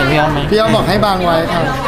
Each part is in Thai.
พี่อ้อมไหมพี่อ้อมบอกให้บางไว้ค่ะอ่ะ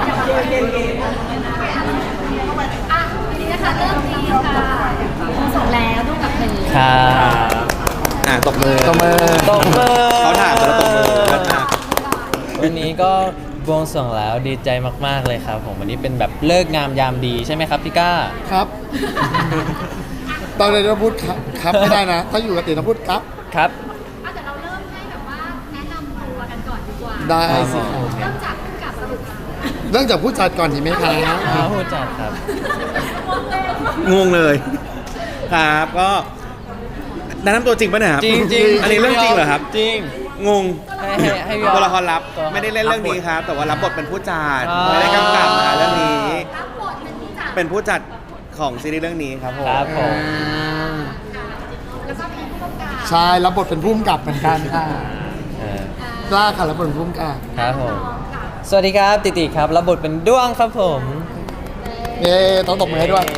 วันนี้นะคะเริ่มดีค่ะส่งแล้วดูกับเพลงครับตบมือตบมือตบมือเขาถามแล้วตบมือเลิศมากวันนี้ก็บวงสรวงแล้วดีใจมากๆเลยครับผมวันนี้เป็นแบบเลิกงามยามดีใช่ไหมครับพี่ก้าครับ ตอนเรียนเราพูดครับไม่ได้นะ ถ้าอยู่กับติต้องพูดครับครับอ่ะเดี๋ยวเราเริ่มให้แบบว่าแนะนำตัวกันก่อนดีกว่าได้สิครับเริ่มจากผู้กำกับสรุปค่ะเรื่องจากผู้จัดก่อนดีไหมคะผู้จัดครับงงเลย ครับก็แนะนำตัวจริงป่ะเนี่ยครับจริงจริงอันนี้เรื่องจริงเหรอครับจริงงงให้พี่อ้อมตัวละครลับตัวละครไม่ได้เล่นเรื่องนี้ครับ แต่ว่ารับบทเป็นผู้จัดอ่าไม่ได้กำกับนะเรื่องนี้รับบทเป็นผู้จัดเป็นผู้จัดของซีรีส์เรื่องนี้ครับผมครับผมแล้วก็มีผู้กำกับใช่รับบทเป็นผู้กำกับเหมือนกันค่ะเออกล้าค่ะรับบทเป็นผู้กำกับครับผม สวัสดีครับติติครับรับบทเป็นด้วงครับผมเย้ต้องตบมือให้ด้วย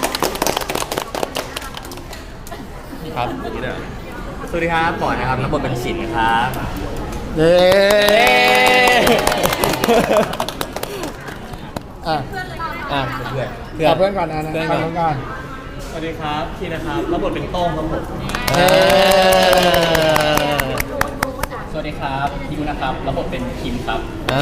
ครับสวัสดีครับปอนนะครับรับบทเป็นฉินครับเย้อ่ะอ่ะเพื่อนกับเพื่อนก่อนนะเพื่อนกัก่บอนเพื่อนก่อนสวัสดีครับพี่นะครับรับบทเป็นโต้งครับผมเย้สวัสดีครับพิวนะครับรับบทเป็นคิมครับอ่า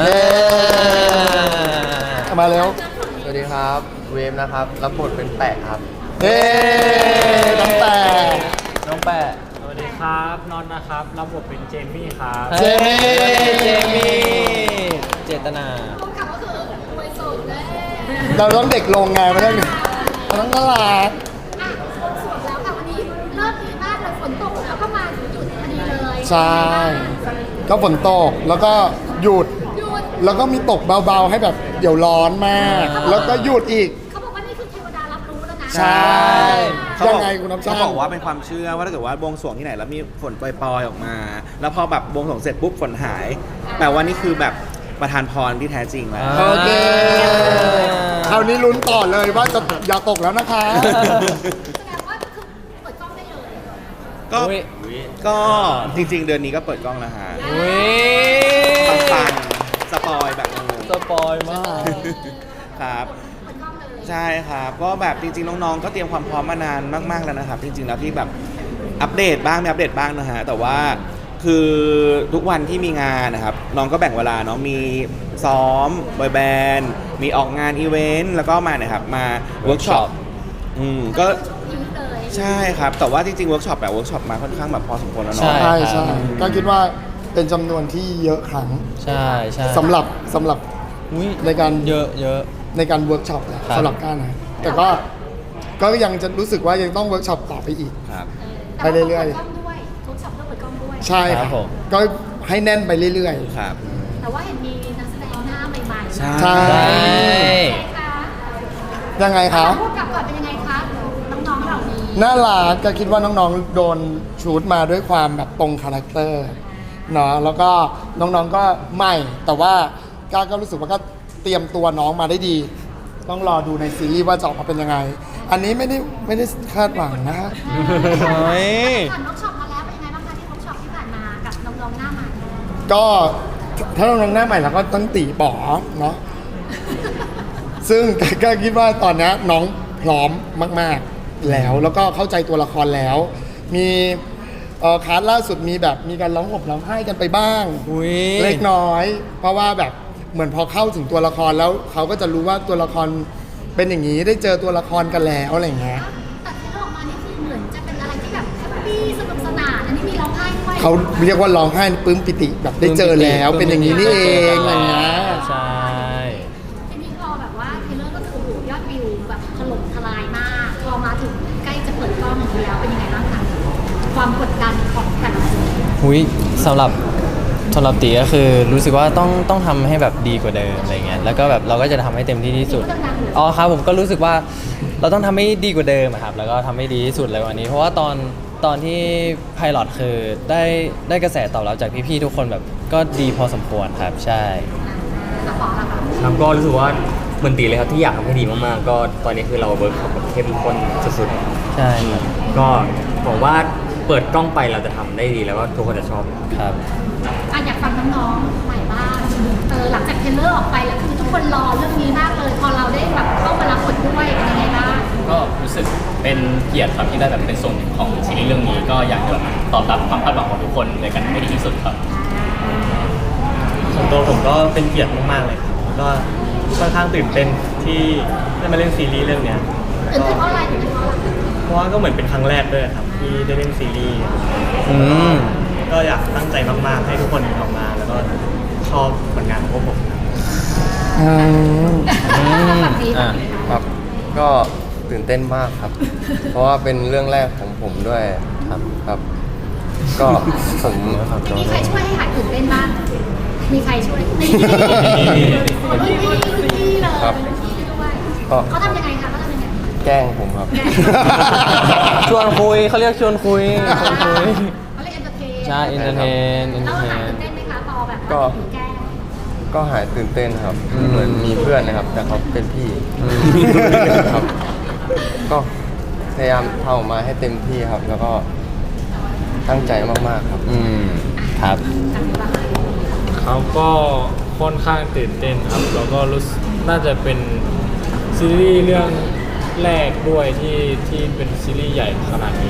เอามาเร็วสวัสดีครับเวฟนะครับรับบทเป็นแปะครับเย้ตั้งแต่น้องแปะสวัสดีครับนอนนะครับรับบทเป็นเจมี่ครับเจมี่เจมี่เจตนาผู้กำกับก็คือรวยสุดเลยเราต้องเด็กลงไงไม่ได้เราต้องน่ารักอ่ะส่วนแล้วค่ะวันนี้เริ่มดีมากเลยฝนตกแล้วก็มาถึงจุดพอดีเลยใช่ ก็ฝนตกแล้วก็หยุดหยุดแล้วก็มีตกเบาๆให้แบบเดี๋ยวร้อนมาก แล้วก็หยุดอีกเขาบอกว่านี่คือเทวดารับรู้แล้วนะใช่เขายับงอกไงคุณน้ำชาเขาบอกว่าเป็นความเชื่อว่าถ้าเกิดว่าบวงสรวงที่ไหนแล้วมีฝนปล่อยๆออกมา แล้วพอแบบบวงสรวงเสร็จปุ๊บฝนหายแปลว่านี่คือแบบประทานพรที่แท้จริงแล้วโอเคคราวนี้ลุ้นต่อเลยว่าจะอย่าตกแล้วนะคะแสดงว่าคือเปิดกล้องได้เลยก็อุ๊ยก็จริง ๆ เดือนนี้ก็เปิดกล้องแล้วฮะอุ้ยปังๆสปอยแบบงงสปอยมากๆครับเปิดกล้องเลยใช่ครับก็แบบจริงๆน้องๆก็เตรียมความพร้อมมานานมากๆแล้วนะครับจริงๆแล้วที่แบบอัปเดตบ้างไม่อัปเดตบ้างนะฮะแต่ว่าคือทุกวันที่มีงานนะครับน้องก็แบ่งเวลาเนาะมีซ้อมบอยแบนด์มีออกงานอีเวนต์แล้วก็มานะครับมาเวิร์กช็อปก็ยืดเลยใช่ครับแต่ว่าจริงๆเวิร์กช็อปแบบเวิร์กช็อปมาค่อนข้างแบบพอสมควรแล้วใช่เนาะใช่ใช่ก็คิดว่าเป็นจำนวนที่เยอะครั้งใช่ใช่สำหรับอุ้ยในการเยอะเยอะในการเวิร์กช็อปแหละครับสำหรับก้านะแต่ก็ยังจะรู้สึกว่ายังต้องเวิร์กช็อปต่อไปอีกครับไปเรื่อยๆๆเปิดกล้องด้วยทุกช็อปต้องเปิดกล้องด้วยใช่คครัรับบผมก็ให้แน่นไปเรื่อยครับแต่ว่าเห็นมีนักแสดงหน้าใหม่ๆใช่ใช่ใช่คะๆ ยังไงคะพูดกับก่อนเป็นยังไงคะน้องๆเหล่านี้น่ารักก็คิดว่าน้องๆโดนชูดมาด้วยความแบบตรงคาแรคเตอร์เนาะแล้วก็น้องๆก็ใหม่ แต่ว่าก้าก็รู้สึกว่าก็เตรียมตัวน้องมาได้ดี ต้องรอดูในซีรีส์ว่าจะออกมาเป็นยังไง อันนี้ไม่ได้คาดหวังนะโอ้ยผ่านเวิร์กช็อปมาแล้วเป็นยังไงบ้างคะที่เวิร์กช็อปที่ผ่านมากับน้องๆหน้าใหม่ก็ถ้าน้องๆหน้าใหม่เราก็ต้องตีป๋อเนาะ ซึ่งก็คิดว่าตอนนี้น้องพร้อมมากๆแล้วก็เข้าใจตัวละครแล้ว มีคลาสล่าสุดมีแบบมีการร้องห่มร้องไห้กันไปบ้างอุ้ยเล็กน้อย เพราะว่าแบบเหมือนพอเข้าถึงตัวละครแล้วเขาก็จะรู้ว่าตัวละครเป็นอย่างนี้ได้เจอตัวละครกันแล้วอะไรอย่างเงี้ยแต่ที่ออกมานี่คือเหมือนจะเป็นอะไรที่แบบแฮปปี้สนุกสนานอันนี้มีร้องไห้ด้วยเขาเรียกว่าร้องไห้ปลื้มปิติแบบได้เจอแล้วเป็นอย่างนี้นี่เองอะไรเงี้ยใช่ทีนี้พอแบบว่าเทรลเลอร์ก็คือโอ้โหยอดวิวแบบถล่มทลายมากพอมาถึงใกล้จะเปิดกล้องแล้วเป็นยังไงบ้างคะความกดดันของแต่ละคนอุ้ยสำหรับตีก็คือรู้สึกว่าต้องทำให้แบบดีกว่าเดิมอะไรเงี้ยแล้วก็แบบเราก็จะทำให้เต็มที่ที่สุดอ๋อครับผมก็รู้สึกว่าเราต้องทำให้ดีกว่าเดิมอะครับแล้วก็ทำให้ดีที่สุดเลยวันนี้ เพราะว่าตอนที่ไพลอตคือได้กระแสตอบรับจากพี่ๆทุกคนแบบก็ดีพอสมควรครับใช่แล้วขอละค่ะครับก็รู้สึกว่าเหมือนตีเลยครับที่อยากทำให้ดีมากๆก็ตอนนี้คือเราเวิร์กช็อปแบบเข้มข้นสุดใช่ครับๆก็บอกว่าเปิดกล้องไปเราจะทำได้ดีแล้วก็ทุกคนจะชอบครับอ่ะอยากฟังน้องๆใหม่บ้างหลังจากเทรลเลอร์ออกไปแล้วคือทุกคนรอเรื่องนี้มากเลยพอเราได้แบบเข้ามารับบทด้วยเป็นยังไงบ้างก็รู้สึกเป็นเกียรติครับที่ได้แบบเป็นส่วนหนึ่งของซีรีส์เรื่องนี้ก็อยากจะแบบตอบรับความคาดหวังของทุกคนในกันให้ดีที่สุดครับส่วนตัวผมก็เป็นเกียรติมากๆเลยครับแล้วก็ค่อนข้างตื่นเต้นที่ได้มาเล่นซีรีส์เรื่องเนี้ยตื่นเต้นเพราะอะไรตื่นเต้นเพราะอะไรเพราะว่าก็เหมือนเป็นครั้งแรกด้วยครับที่ได้เล่นซีรีส์อืมก็อยากตั้งใจมากๆให้ทุกคนออกมา แล้วก็ชอบผลงานของพวกผมครับแบบนี้อ่ะครับ ก็ตื่นเต้นมากครับ เพราะว่าเป็นเรื่องแรกของผมด้วยครับ ก็ผมมีใครช่วยให้หายตื่นเต้นบ้างมีใครช่วยนี่รุ่นพี่เลยรุ่นพี่ด้วยก็เขาทำยังไงคะเขาทำยังไงแกล้งผมครับชวนคุยเขาเรียกชวนคุยชวนคุยเขาเรียกเอนเตอร์เทนใช่เอนเตอร์เทนแล้วหายตื่นเต้นไหมคะพอแบบก็ถือแก้วก็หายตื่นเต้นครับอืมเหมือนมีเพื่อนนะครับ แต่เขาเป็นพี่ครับ ก็พยายามทำออกมาให้เต็มที่ครับ แล้วก็ตั้งใจมากๆครับอืมครับเขาก็ค่อนข้างตื่นเต้นครับ แล้วก็รู้สึกน่าจะเป็นซีรีส์เรื่องแรกด้วยที่เป็นซีรีส์ใหญ่ขนาดนี้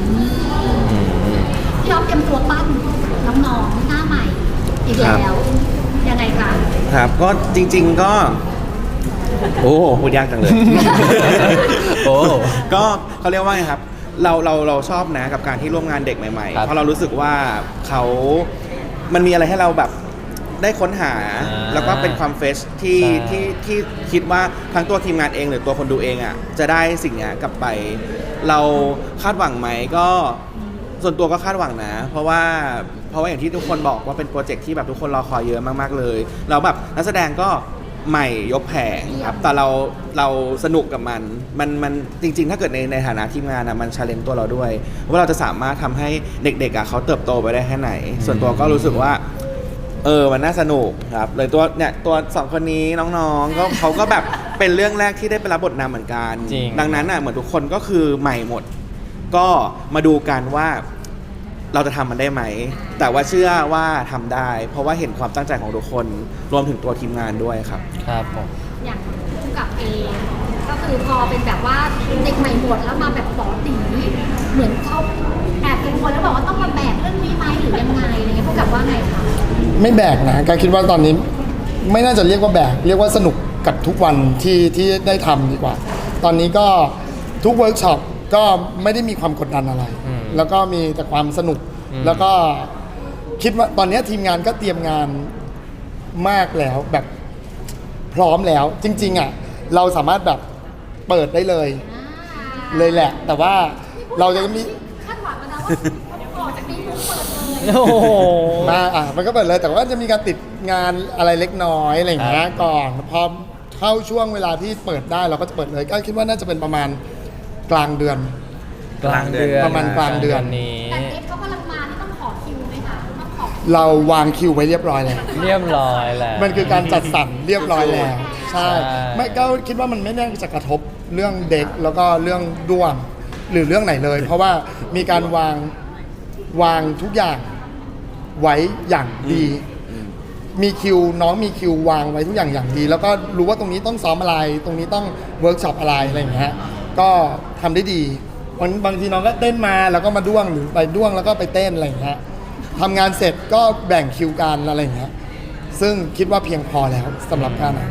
พี่อ๊อฟเตรียมตัวปั้นน้องๆหน้าใหม่อีกแล้วยังไงคะครับก็จริง ๆก็โอ้พูดยากจังเลยโอ้ก็เขาเรียกว่าไงครับเราชอบนะกับการที่ร่วมงานเด็กใหม่ๆครับเพราะเรารู้สึกว่ามันมีอะไรให้เราแบบได้ค้นหา แล้วก็เป็นความเฟชที่ใช่ที่คิดว่าทั้งตัวทีมงานเองหรือตัวคนดูเองอ่ะจะได้สิ่งนี้กลับไป เราคาดหวังไหมก็ส่วนตัวก็คาดหวังนะ เพราะว่าอย่างที่ทุกคนบอกว่าเป็นโปรเจกต์ที่แบบทุกคนรอคอยเยอะมากๆเลยแล้วแบบนักแสดงก็ใหม่ยกแผงครับแต่เราสนุกกับมันจริงๆ ถ้าเกิดในฐานะทีมงานอ่ะมันชาเลนจ์ตัวเราด้วยว่าเราจะสามารถทำให้เด็กๆอ่ะเขาเติบโตไปได้แค่ไหน ส่วนตัวก็รู้สึกว่ามันน่าสนุกครับเลยตัวสองคนนี้น้องๆก็เขาก็แบบเป็นเรื่องแรกที่ได้ไปรับบทนำเหมือนกันจริงดังนั้นอ่ะเหมือนทุกคนก็คือใหม่หมด ก็มาดูกันว่าเราจะทำมันได้ไหม แต่ว่าเชื่อว่าทำได้ เพราะว่าเห็นความตั้งใจของทุกคนรวมถึงตัวทีมงานด้วยครับครับผมอย่างผู้กับเองก็คือพอเป็นแบบว่าเด็กใหม่หมดแล้วมาแบบป๋อตีเหมือนเขาแอบเป็นคนแล้วบอกว่าต้องมาแบกเรื่องนี้ไหมหรือยังไงอะไรเงี้ยผู้กับว่าไงคะไม่แบกนะการคิดว่าตอนนี้ไม่น่าจะเรียกว่าแบกเรียกว่าสนุกกับทุกวันที่ได้ทำดีกว่า ตอนนี้ก็ทุกเวิร์กช็อปก็ไม่ได้มีความกดดันอะไร แล้วก็มีแต่ความสนุก แล้วก็คิดว่าตอนนี้ทีมงานก็เตรียมงานมากแล้วแบบพร้อมแล้ว จริงๆอ่ะเราสามารถแบบเปิดได้เลยแหละ แต่ว่าเราจะมีคาดหวังกันนะว่าเดี๋ยวออกจากนี้มุกเปิดเลยโอ้โหมันก็เปิดเลยแต่ว่าจะมีการติดงานอะไรเล็กน้อยอะไรอย่างเงี้ยก่อนพอเข้าช่วงเวลาที่เปิดได้เราก็จะเปิดเลยก็คิดว่าน่าจะเป็นประมาณกลางเดือนกลางเดือนประมาณกลางเดือนนี้แต่เอฟเขากำลังมานี่ต้องขอคิวไหมคะต้องขอเราวางคิวไว้เรียบร้อยแล้วเรียบร้อยแล้วมันคือการจัดสรรเรียบร้อยแล้ว ใช่ใช่ไม่ก็คิดว่ามันไม่น่าจะกระทบเรื่องเด็กแล้วก็เรื่องด้วงหรือเรื่องไหนเลย เพราะว่ามีการวางทุกอย่างไว้อย่างดี มีคิวน้องมีคิววางไว้ทุกอย่างอย่างดี แล้วก็รู้ว่าตรงนี้ต้องซ้อมอะไร ตรงนี้ต้องเวิร์กช็อปอะไรอะไรอย่างเงี้ยก็ทำได้ดีบางทีน้องก็เต้นมาแล้วก็มาด้วงหรือไปด้วงแล้วก็ไปเต้นอะไรอย่างเงี้ยทำงานเสร็จก็แบ่งคิวกันอะไรอย่างเงี้ยซึ่งคิดว่าเพียงพอแล้วสำหรับการอ่ะ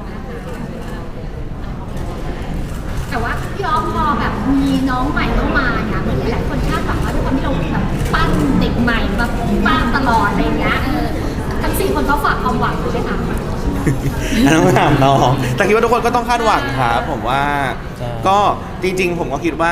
แต่ว่าพี่อ๊อฟพอแบบมีน้องใหม่เข้ามาเนี่ยเหมือนหลายๆคนคาดหวังว่าด้วยความที่เราแบบปั้นเด็กใหม่แบบปั้นตลอดอะไรอย่างเงี้ยทั้ง4คนเขาฝากความหวังใช่ไหมคะอันนั้นถามน้องแต่คิดว่าทุกคนก็ต้องคาดหวังครับผมว่าใช่ก็จริงๆ ผมก็คิดว่า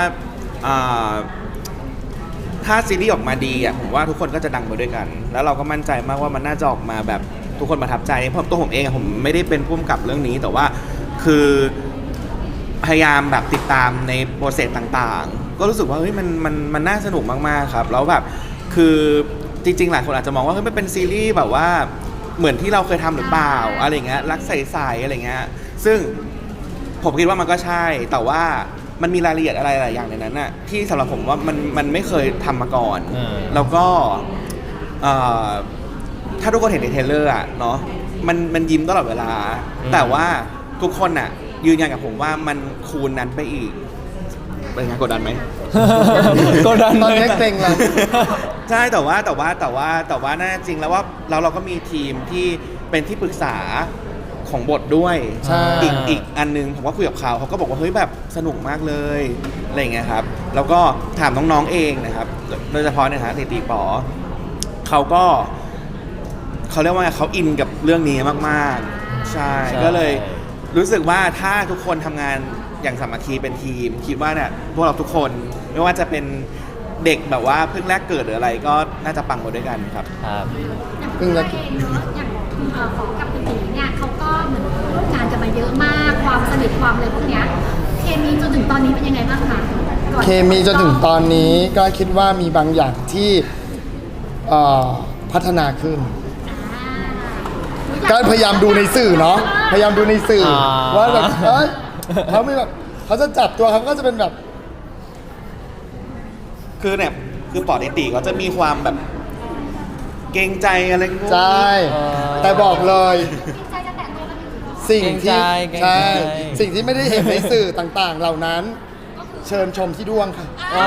ถ้าซีรีส์ออกมาดีอ่ะผมว่าทุกคนก็จะดังไปด้วยกัน แล้วเราก็มั่นใจมากว่ามันน่าจะออกมาแบบทุกคนประทับใจเพราะตัวผมเองอะผมไม่ได้เป็นผู้กำกับเรื่องนี้ แต่ว่าคือพยายามแบบติดตามในโปรเซสต่างๆ ก็รู้สึกว่าเฮ้ยมันน่าสนุกมากๆครับแล้วแบบคือจริงๆหลายคนอาจจะมองว่าเฮ้ยมันเป็นซีรีส์แบบว่าเหมือนที่เราเคยทำหรือเปล่าอะไรเงี้ยรักใสๆอะไรเงี้ยซึ่งผมคิดว่ามันก็ใช่แต่ว่ามันมีรายละเอียดอะไรหลายอย่างในนั้นน่ะที่สำหรับผมว่ามันไม่เคยทำมาก่อน แล้วก็ถ้าทุกคนเห็นในเทรลเลอร์อะเนาะมันยิ้มตลอดเวลา แต่ว่าทุกคนอ่ะยืนยันกับผมว่ามันคูณนั้นไปอีกเป็นไงกดดันไหมกดดันตอนนี้เกรงแล้วใช่แต่ว่าน่าจริงแล้วว่าเราก็มีทีมที่เป็นที่ปรึกษาของบทด้วยใช่อีกอันนึงผมก็คุยกับเขาก็บอกว่าเฮ้ยแบบสนุกมากเลยอะไรอย่างเงี้ยครับแล้วก็ถามน้องๆเองนะครับโดยเฉพาะเนี่ยฮะตีป๋อเขาเรียกว่าเขาอินกับเรื่องนี้มากๆใช่ก็เลยรู้สึกว่าถ้าทุกคนทำงานอย่างสามัคคีเป็นทีมคิดว่าเนี่ยพวกเราทุกคนไม่ว่าจะเป็นเด็กแบบว่าเพิ่งแรกเกิดหรืออะไรก็น่าจะปังหมดด้วยกันครับครับอย่างตัวเองเนาะอย่างของกับพี่ตีเนี่ยเขาก็เหมือนร่วมงานกันมาเยอะมากความสนิทความอะไรพวกเนี้ยเคมีจนถึงตอนนี้เป็นยังไงบ้างคะก่อนเคมีจนถึงตอนนี้ก็คิดว่ามีบางอย่างที่พัฒนาขึ้น ก็พยายามดูในสื่อเนาะพยายามดูในสื่อว่าแบบเขาไม่แบบเขาจะจับตัวเขาก็จะเป็นแบบคือเนี่ยคือปอดติก็จะมีความแบบเกรงใจอะไรพวกนี้ใช่แต่บอกเลยใจจะแตะตัวกันอยู่เนาะสิ่งที่เกรงใจใช่สิ่งที่ไม่ได้เห็นในสื่อต่างๆ เหล่านั้น เชิญชมที่ด้วงค่ะ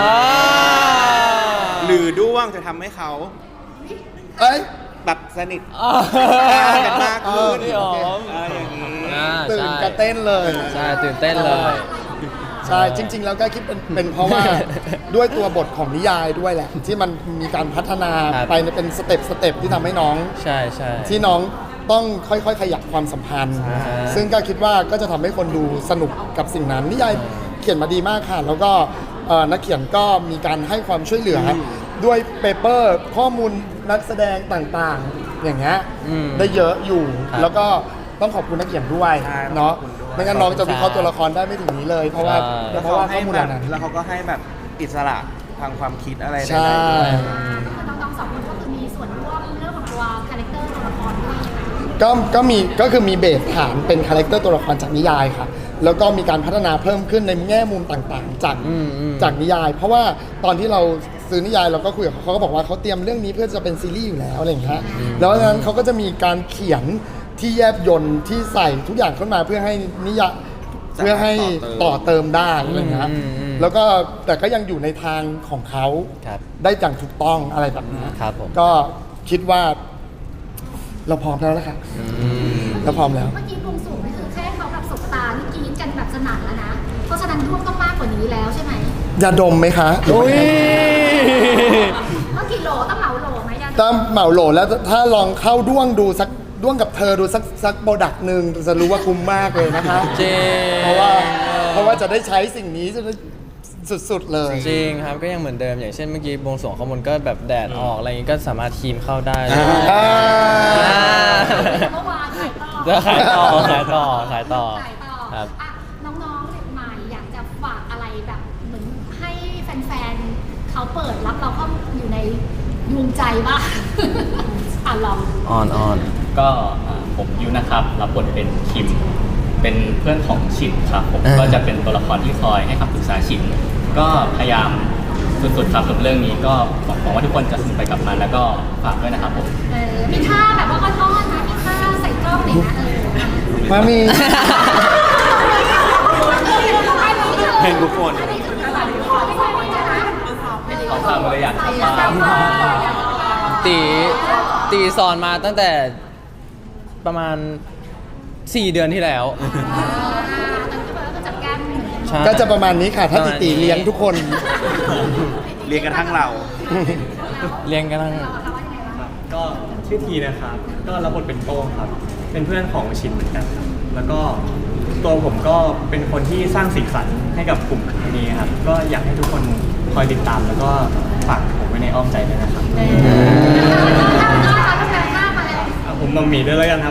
หรือด้วงจะทำให้เขาเอ้ยแบบสนิทอ่ากันมากขึ้นพี่อ๋อมอย่างนี้ตื่นกระเต้นเลยใช่ตื่นเต้นเลยใช่จริง ๆ แล้วก็คิดเป็นเพราะว่า ด้วยตัวบทของนิยายด้วยแหละ ที่มันมีการพัฒนาครับไปเป็นสเต็ปที่ทำให้น้องใช่ใช่ที่น้องต้องค่อยๆ ขยับความสัมพันธ์ ซึ่งก็คิดว่าก็จะทำให้คนดูสนุกกับสิ่งนั้น นิยายเขียนมาดีมากค่ะ แล้วก็นักเขียนก็มีการให้ความช่วยเหลืออด้วยเปเปอร์ข้อมูลนักแสดงต่างๆ อย่างเงี้ยได้เยอะอยู่ครับแล้วก็ต้องขอบคุณนักเขียนด้วยใช่เนาะขอบคุณด้วยไม่งั้นน้องจะวิเคราะห์ตัวละครได้ไม่ถึงนี้เลย เพราะว่าใช่แล้วเพเขาราะว่าข้ให้อมูลแบเหบล่านั้นแล้วเขาก็ให้แบบอิสระทางความคิดอะไรใช่ได้ด้วยน้องๆสองคนก็คือมีส่วนร่วมเรื่องของตัวคาแรคเตอร์ตัวละครด้วยนะคะก็คือมีเบสฐานเป็นคาแรคเตอร์ตัวละครจากนิยายค่ะ แล้วก็มีการพัฒนาเพิ่มขึ้นในแง่มุมต่างๆ จากนิยาย เพราะว่าตอนที่เราซื้อนิยายเราก็คุยกับเขาก็บอกว่าเขาเตรียมเรื่องนี้เพื่อจะเป็นซีรีส์อยู่แล้วอะไรอย่างเงี้ยแล้วดังนั้นเขาก็จะมีการเขียนที่แยบยลที่ใส่ทุกอย่างขึ้นมาเพื่อให้นิยายเพื่อให้ต่อเติมได้อะไรอย่างเงี้ยแล้วก็แต่ก็ยังอยู่ในทางของเขาครับได้อย่างถูกต้องอะไรแบบนี้ครับผมก็คิดว่า เราพร้อมแล้วนะคะเราพร้อมแล้วเมื่อกี้บวงสรวงนี่คือแค่เขาแบบสบตานี่กรี๊ดกันแบบสนั่นแล้วนะ เพราะฉะนั้นร่วมต้องมากกว่านี้แล้วใช่ไหมยาดมไหมคะอุ้ยเมื่อกี่โหลต้องเหมาโหลไหมยาดมถ้าเหมาโหลแล้วถ้าลองเข้าด้วงดูสักด้วงกับเธอดูสักโปรดักต์หนึ่งจะรู้ว่าคุ้มมากเลยนะคะจริงเพราะว่าจะได้ใช้สิ่งนี้จะได้สุดๆเลยจริงครับก็ยังเหมือนเดิมอย่างเช่นเมื่อกี้บวงสรวงข้างบนก็แบบแดดออกอะไรอย่างงี้ก็สามารถทีมเข้าได้เลยอ่าเมื่อวานขายต่อจะขายต่อขายต่อขายต่อขายต่อครับอ่ะน้องๆเด็กใหม่อยากจะฝากอะไรแบบเหมือนให้แฟนๆเขาเปิดรับเราเข้าอยู่ในดวงใจบ้าง อ่ะลองออนก็ผมยูนะครับรับบทเป็นคิมเป็นเพื่อนของฉินครับผมก็จะเป็นตัวละครที่คอยให้คำปรึกษาฉินก็พยายามสุดๆครับกับเรื่องนี้ก็หวังว่าทุกคนจะสนุกไปกับมันแล้วก็ฝากด้วยนะครับผมมีท่าแบบว่าอ้อนๆนะมีท่าใส่กล้องหน่อยนะมามีเพลงทุกคนอันนี้คือแบบขอไม่ใช่ไม่ใช่นะเขาทำเลยอยากทำบ้างตีสอนมาตั้งแต่ประมาณ 4 เดือนที่แล้วตอนที่เบิร์ดก็จับแก้มเหมือนกันใช่ก็จะประมาณนี้ค่ะ ถ้าติตีเลี้ยงทุกคนเรียนกระทั่งเราเรียนกันทั้งก็ชื่อทีนะครับ ก็รับบทเป็นโต้งครับ เป็นเพื่อนของชินเหมือนกันครับ แล้วก็ตัวผมก็เป็นคนที่สร้างสีสันให้กับกลุ่มนี้ครับ ก็อยากให้ทุกคนคอยติดตามแล้วก็ฝากผมไว้ในอ้อมใจด้วยนะครับอ่ะผมมัมมี่ด้วยแล้วกันครับ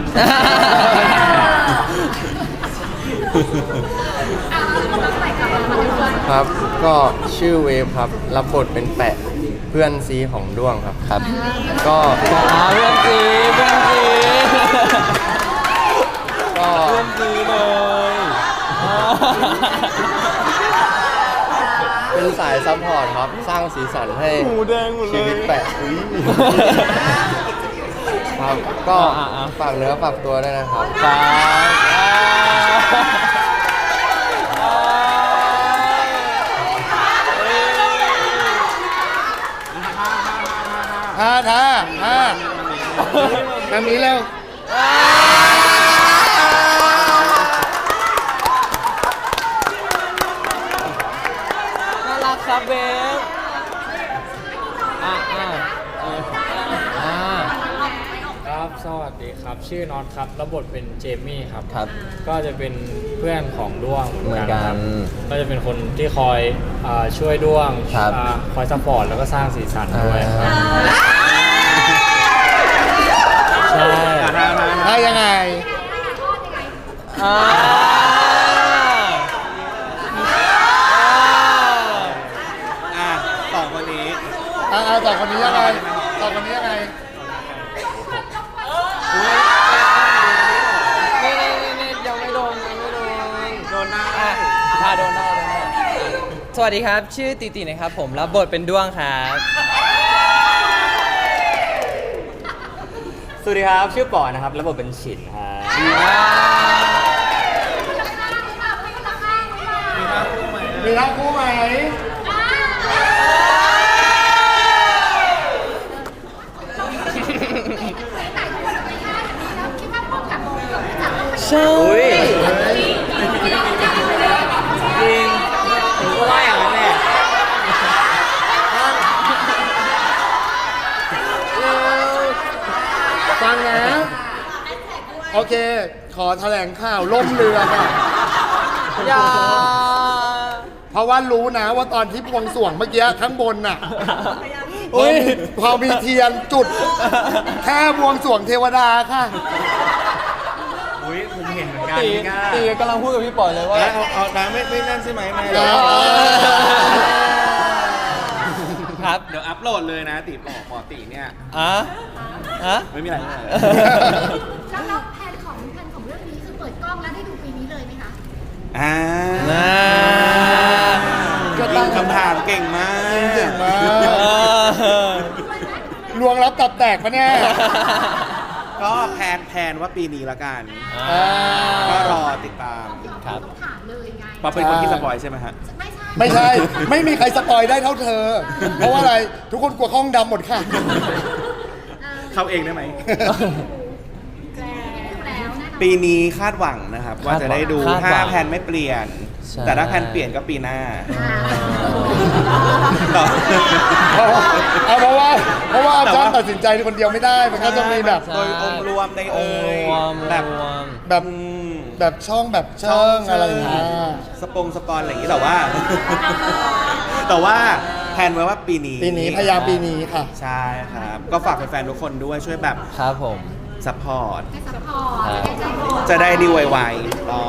ครับ ก็ชื่อเวฟครับ รับบทเป็นแปะเพื่อนซีของด้วงครับครับ ก็เพื่อนซีเพื่อนซีก็เพื่อนซีเลยเป็นสายซัพพอร์ตครับ สร้างสีสันให้ชีวิตแปะคครับ ก็อ่ะฝากเนื้อฝากตัวด้วยนะครับท่าแบบนี้เร็วน่ารักครับเบสครับ สวัสดีครับ ชื่อน็อตครับรับบทเป็นเจมี่ครับครับก็จะเป็นเพื่อนของด้วงเหมือนกันครับก็จะเป็นคนที่คอยช่วยด้วงครับคอยซัพพอร์ตแล้วก็สร้างสีสันด้วยครับ ใช่ท่ายังไงสองคนนี้ต่อคนนี้ยังไงต่อคนนี้ยังไงนี่ยังไม่โดนโดนหน้าโดนหน้าสวัสดีครับ ชื่อติตินะครับ ผมรับบทเป็นด้วงครับสวัสดีครับ ชื่อปอนะครับรับบทเป็นฉินครับมีท่าคู่ไหมใช่จริงผมก็ว่าอย่างนั้นแหละฟังนะ โอเค ขอแถลงข่าวล่มเรือค่ะอย่าเพราะว่ารู้นะว่าตอนที่บวงสรวงเมื่อกี้ข้างบนน่ะอุ๊ยพอมีเทียนจุด แค่บวงสรวงเทวดาค่ะอุ้ยผมเห็นเหมือนกันตีพี่ก้าตีกำลังพูดกับพี่ปอยเลยว่าเอาน้ำไม่นั่นใช่ไหมไม่ครับเดี๋ยวอัพโหลดเลยนะตีหมอตีเนี่ย ไม่มีอะไรแล้วแผนของเรื่องนี้คือเปิดกล้องแล้วได้ดูปีนี้เลยไหมคะก็ตั้งคำถามเก่งมากเก่งมากลวงรับตับแตกปะเนี่ยก็แพนว่าปีนี้ละกันอ่าก็รอติดตามครับต้องถามเลยไงป๊อปเป็นคนที่สปอยใช่ไหมฮะไม่ใช่ไม่มีใครสปอยได้เท่าเธอ เพราะว่าอะไร ทุกคนกลัวห้องดำหมดค่ะเข้าเองได้ไหมแล้วนะปีนี้คาดหวังนะครับ ว่าจะได้ดูคาดหวังถ้าแพนไม่เปลี่ยนใช่แต่ถ้าแพนเปลี่ยนก็ปีหน้าเพราะว่าอาจารย์ตัดสินใจคนเดียวไม่ได้ มันก็จะมีแบบโดยองค์รวมในองค์รวมแบบแบบแบบช่องแบบเชิงอะไรอย่างเงี้ยสปอนอะไรอย่างนี้แต่ว่า แต่ว่าแพนไว้ว่าปีนี้ปีนี้พยายามปีนี้ค่ะใช่ครับ ก็ฝากแฟนๆทุกคนด้วยช่วยแบบครับผมซัพพอร์ตให้ซัพพอร์ตให้ใจพอร์ตจะได้ดีไวๆต้อง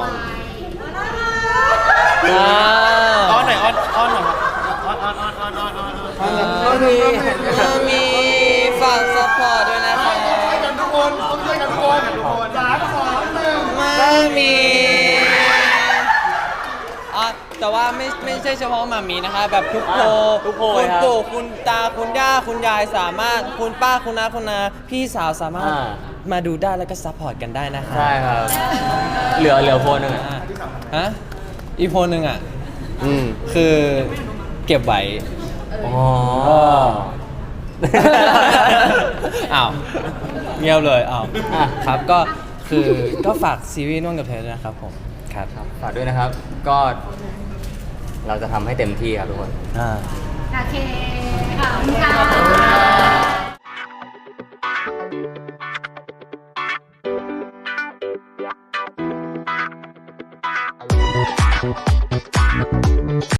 อ้อนหน่อยอ้อนหน่อยครับอ้อนมีฝากซัพพอร์ตด้วยนะครับช่วยกันทุกคนต้องช่วยกันทุกคน3 2 1 ไม่มีแต่ว่าไม่ใช่เฉพาะหมามีนะคะแบบทุกโพทุกโพคุณครับปู่คุณตาคุณย่าคุณยายสามารถคุณป้าคุณน้าคุณนาพี่สาวสามารถมาดูได้แล้วก็ซัพพอร์ตกันได้นะคะใช่ครับ เหลือโพนึงอะฮะอีกโพนึงอ่ะอืมคือเก็บไว้อ๋ออ้าวเงียบเลยอ้าวอ่ะครับก็คือก็ฝากซีรีส์น่วงกับเธอด้วยนะครับผมครับฝากด้วยนะครับ ก็เราจะทำให้เต็มที่ครับทุกคนโอเคขอบคุณค่ะ